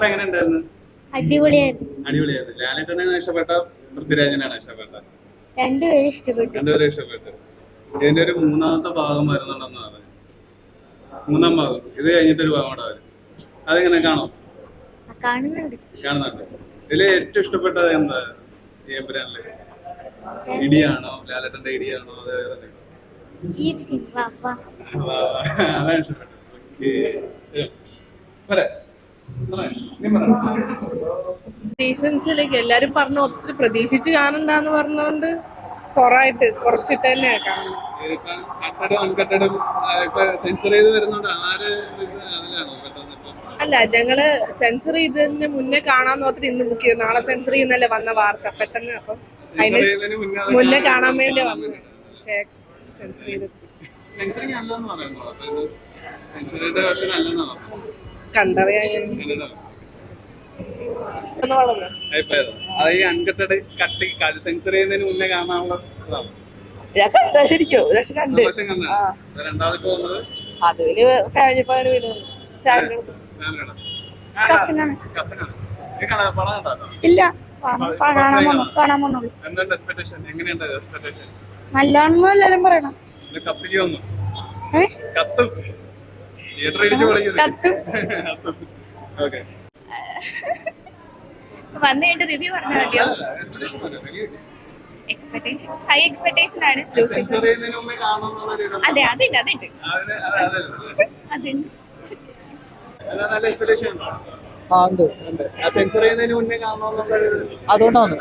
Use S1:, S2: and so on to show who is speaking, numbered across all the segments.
S1: എങ്ങനെയുണ്ടായിരുന്നു?
S2: അടിപൊളിയായിരുന്നു.
S1: അടിപൊളിയായിരുന്നു. ലാലേട്ടനാണ് ഇഷ്ടപ്പെട്ട പൃഥ്വിരാജിനാണ് ഇഷ്ടപ്പെട്ട?
S2: രണ്ടുപേരും ഇഷ്ടപ്പെട്ടു.
S1: രണ്ടുപേരും ഇഷ്ടപ്പെട്ടു. ഇതിന്റെ ഒരു മൂന്നാമത്തെ ഭാഗം വരുന്നുണ്ടെന്ന് പറഞ്ഞു. മൂന്നാം ഭാഗം ഇത് കഴിഞ്ഞിട്ടൊരു ഭാഗം കൂടെ വരും. അതെങ്ങനെ കാണും?
S2: കാണുന്നുണ്ട്.
S1: ഇതില് ഏറ്റവും ഇഷ്ടപ്പെട്ടത് എന്താ? ഏമ്പുരാനില് ഇടിയാണോ, ലാലേട്ടന്റെ ഇടിയാണോ, അതേപോലെ അതാണ് ഇഷ്ടപ്പെട്ടത്.
S3: പ്രതീക്ഷൻസിലേക്ക് എല്ലാരും പറഞ്ഞു ഒത്തിരി പ്രതീക്ഷിച്ച് കാണണ്ടാന്ന് പറഞ്ഞോണ്ട് കുറച്ചിട്ട് തന്നെ കാണുന്നു. അല്ല, ഞങ്ങള് സെൻസർ ചെയ്തതിന് മുന്നേ കാണാൻ നോക്കിട്ട് ഇന്ന് ബുക്ക് ചെയ്തു. നാളെ സെൻസർ ചെയ്യുന്നല്ലേ വന്ന വാർത്ത പെട്ടെന്ന്. അപ്പം അതിന് മുന്നേ കാണാൻ വേണ്ടി വന്നു. പക്ഷേ സെൻസർ ചെയ്ത് കണ്ടറിയാൻ
S1: സെൻസർ ചെയ്യുന്നതിന് മുന്നേ കാണാനുള്ള
S3: ശരിക്കും കണ്ട് അതിന് ഫാമിലി
S2: ഇല്ല, നല്ലോണം എല്ലാരും പറയണം.
S4: വന്നിട്ട് റിവ്യൂ പറഞ്ഞാൽ മതിയോ? എക്സ്പെക്ടേഷൻ ഹൈ എക്സ്പെക്ടേഷൻ ആണ്. അതെ, അതുണ്ട് അതുണ്ട് അതുണ്ട്.
S5: അതുകൊണ്ടാണ്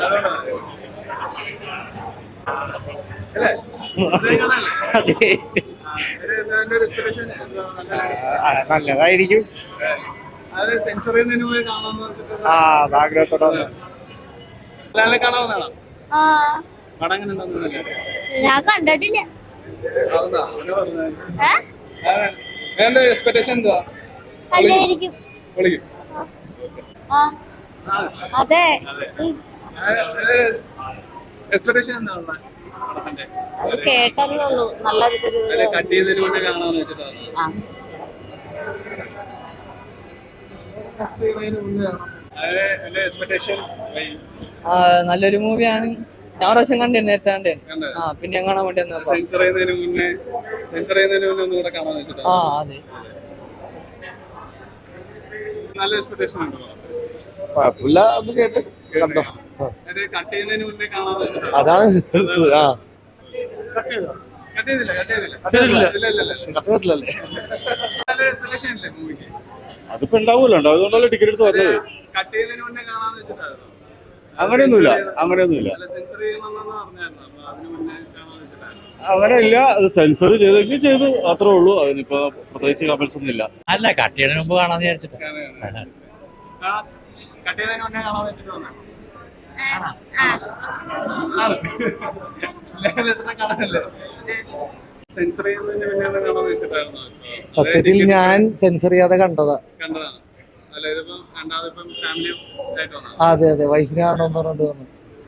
S5: നല്ലതായിരിക്കും. ആഗ്രഹത്തോടെ
S2: ഞാൻ കണ്ടിട്ടില്ല. അതെ, കേട്ടതേ ഉള്ളൂ. നല്ല
S5: നല്ലൊരു മൂവിയാണ്. ഞാൻ പ്രാവശ്യം കണ്ടിരുന്നു, നേരത്തെ കണ്ടേ. പിന്നെ കാണാൻ വേണ്ടി അതെ
S6: അതാണ് അതിപ്പോ ഉണ്ടാവൂല്ലോ, അതുകൊണ്ടല്ലേ ടിക്കറ്റ് എടുത്ത് വന്നത്. അങ്ങനെയൊന്നുമില്ല. അങ്ങനെയില്ല, അത് സെൻസർ ചെയ്തെങ്കിൽ ചെയ്തു, അത്രേ ഉള്ളൂ. അതിനിപ്പോ പ്രത്യേകിച്ച് കമന്റ്സ് ഒന്നും ഇല്ല.
S5: അല്ല, കട്ടിയതിന് മുമ്പ് കാണാന്ന് വിചാരിച്ചിട്ട്.
S6: സത്യത്തിൽ ഞാൻ സെൻസർ ചെയ്യാതെ കണ്ടതാ. അതെ അതെ, വൈഫിനെ കാണുമെന്ന് പറഞ്ഞിട്ട് വന്നു.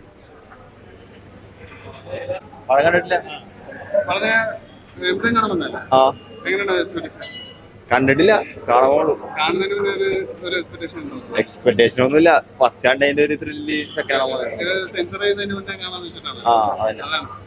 S7: കണ്ടിട്ടില്ല, കാണുള്ളൂ. എക്സ്പെക്ടേഷൻ ഒന്നുമില്ല. ഫസ്റ്റ് കണ്ടതിന്റെ ഒരു ത്രില്ല് സെക്കൻഡ്.